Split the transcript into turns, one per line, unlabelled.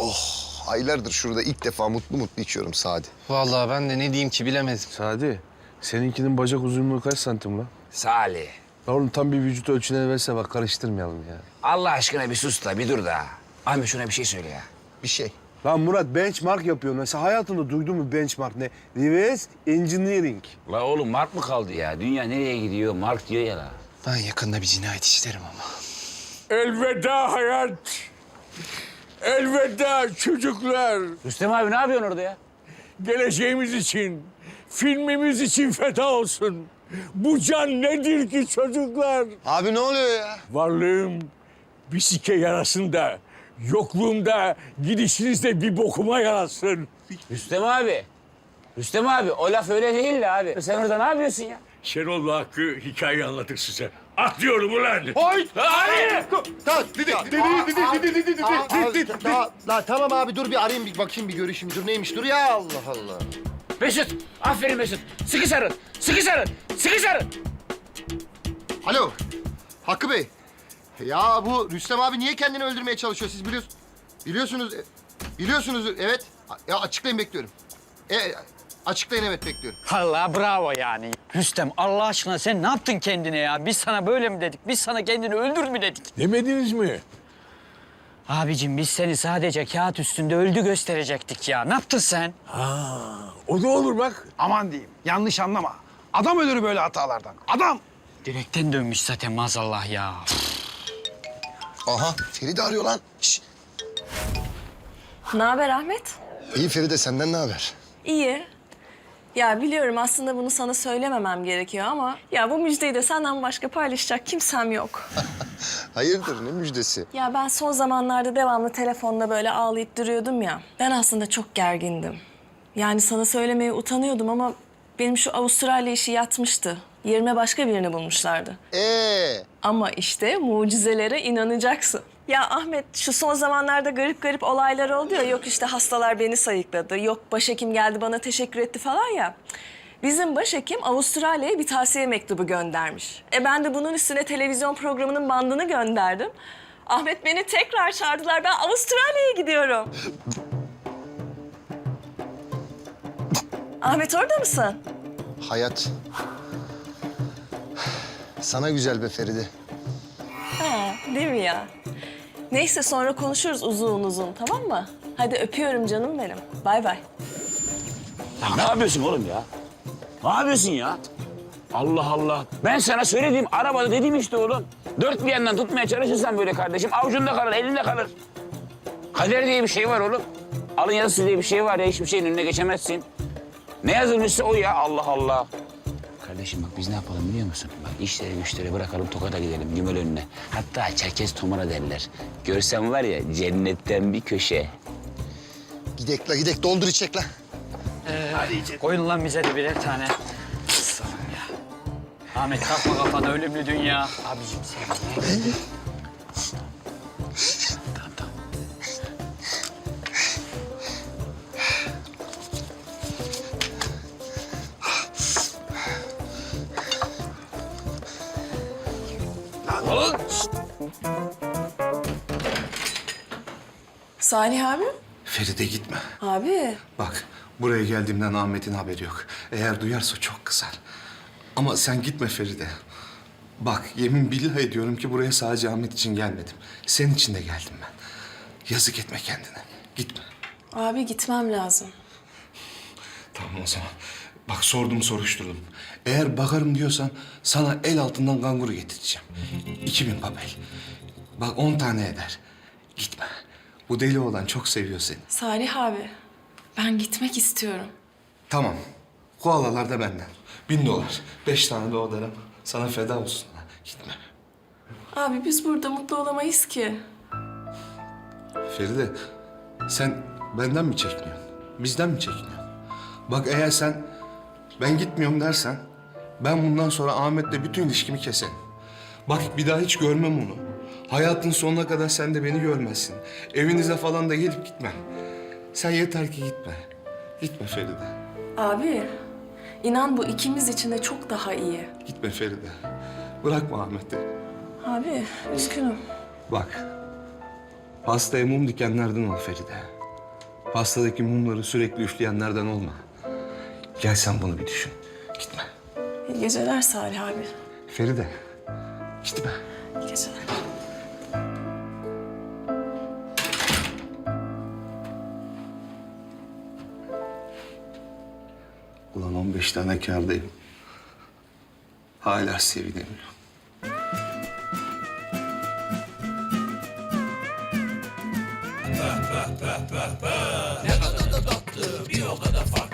Oh, aylardır şurada ilk defa mutlu mutlu içiyorum Sadi.
Vallahi ben de ne diyeyim ki bilemedim.
Sadi, seninkinin bacak uzunluğu kaç santim lan?
Salih,
Ya oğlum tam bir vücut ölçüleri verse bak karıştırmayalım ya.
Allah aşkına bir sus da bir dur da. Ahmet şuna bir şey söyle ya.
Bir şey.
Lan Murat benchmark yapıyor. Mesela hayatında duydun mu benchmark ne? Reverse engineering.
La oğlum Mark mı kaldı ya? Dünya nereye gidiyor? Mark diyor ya la.
Ben yakında bir cinayet işlerim ama.
Elveda hayat. Elveda çocuklar.
Rüstem abi ne yapıyorsun orada ya?
Geleceğimiz için, filmimiz için feda olsun. Bu can nedir ki çocuklar?
Abi ne oluyor ya?
Varlığım bir sike yarasında, yokluğumda gidişinizde bir bokuma yarasın.
Rüstem abi. Rüstem abi o laf öyle değil de abi. Sen orada ne yapıyorsun ya?
Şenol'la Hakkı hikaye anlatır size. Atlıyorum ulan.
Oy!
Hayır!
Tamam abi dur bir arayayım bir bakayım bir görüşeyim. Dur neymiş dur ya Allah Allah.
Mesut. Aferin Mesut. Sıkı sarın. Sıkı sarın. Sıkı sarın.
Alo Hakkı Bey. Ya bu Rüstem abi niye kendini öldürmeye çalışıyor siz biliyorsunuz. Biliyorsunuz evet. Ya açıklayın bekliyorum. Açıklayın evet bekliyorum.
Allah bravo yani. Rüstem Allah aşkına sen ne yaptın kendine ya? Biz sana böyle mi dedik? Biz sana kendini öldür mü dedik?
Demediniz mi?
Abicim biz seni sadece kağıt üstünde öldü gösterecektik ya. Ne yaptın sen?
O da olur bak.
Aman diyeyim, yanlış anlama. Adam ölür böyle hatalardan. Adam!
Direkten dönmüş zaten maazallah ya.
Aha, Feride arıyor lan. Şişt.
Ne haber Ahmet?
İyi Feride, senden ne haber?
İyi. Ya biliyorum aslında bunu sana söylememem gerekiyor ama... ...ya bu müjdeyi de senden başka paylaşacak kimsem yok.
Hayırdır, ne müjdesi?
Ya ben son zamanlarda devamlı telefonda böyle ağlayıp duruyordum ya. Ben aslında çok gergindim. Yani sana söylemeye utanıyordum ama... ...benim şu Avustralya işi yatmıştı. Yerime başka birini bulmuşlardı. Ama işte mucizelere inanacaksın. Ya Ahmet şu son zamanlarda garip garip olaylar oldu ya. Yok işte hastalar beni sayıkladı. Yok başhekim geldi bana teşekkür etti falan ya. Bizim başhekim Avustralya'ya bir tavsiye mektubu göndermiş. Ben de bunun üstüne televizyon programının bandını gönderdim. Ahmet beni tekrar çağırdılar. Ben Avustralya'ya gidiyorum. Ahmet orada mısın?
Hayat. Sana güzel be Feride.
Ha, değil mi ya? Neyse sonra konuşuruz uzun uzun tamam mı? Hadi öpüyorum canım benim. Bay bay.
Ya ne yapıyorsun oğlum ya? Ne yapıyorsun ya? Allah Allah. Ben sana söylediğim arabada dedim işte oğlum. Dört bir yandan tutmaya çalışırsan böyle kardeşim avucunda kalır, elinde kalır. Kader diye bir şey var oğlum. Alın yazısı diye bir şey var ya hiçbir şeyin önüne geçemezsin. Ne yazılmışsa o ya Allah Allah. Kardeşim bak biz ne yapalım biliyor musun? Bak işleri güçleri bırakalım Tokat'a gidelim Gümel önüne. Hatta Çerkez Tomara derler. Görsem var ya cennetten bir köşe.
Gidek la gidek, doldur içecek la.
Koyun lan bize de birer tane. Aslanım ya. Ahmet takma kafana ölümlü dünya. Abicim sen. Tamam tamam.
Salih abi.
Feride gitme.
Abi.
Bak buraya geldiğimden Ahmet'in haberi yok. Eğer duyarsa çok kızar. Ama sen gitme Feride. Bak yemin billah ediyorum ki buraya sadece Ahmet için gelmedim. Senin için de geldim ben. Yazık etme kendine. Gitme.
Abi gitmem lazım.
Tamam o zaman. Bak sordum soruşturdum. Eğer bakarım diyorsan sana el altından kanguru getireceğim. 2000 papel. Bak 10 tane eder. Gitme. Bu deli oğlan çok seviyor seni.
Salih abi. Ben gitmek istiyorum.
Tamam. Koalalar da benden. $1000. 5 tane de o darım. Sana feda olsun. Gitme.
Abi biz burada mutlu olamayız ki.
Feride, sen benden mi çekiniyorsun? Bizden mi çekiniyorsun? Bak eğer sen ben gitmiyorum dersen... ...ben bundan sonra Ahmet'le bütün ilişkimi keserim. Bak bir daha hiç görmem onu. Hayatın sonuna kadar sen de beni görmezsin. Evinize falan da gelip gitmem. Sen yeter ki gitme. Gitme Feride.
Abi inan bu ikimiz için de çok daha iyi.
Gitme Feride. Bırakma Ahmet'i.
Abi üzgünüm.
Bak, Pastaya mum dikenlerden ol Feride. Pastadaki mumları sürekli üfleyenlerden olma. Gel sen bunu bir düşün. Gitme.
İyi geceler Salih abi.
Feride, gitme.
İyi geceler.
Ulan 15 tane kârdayım. Hala sevinemiyorum.
Ne kadar da tatlı, bir o kadar farklı.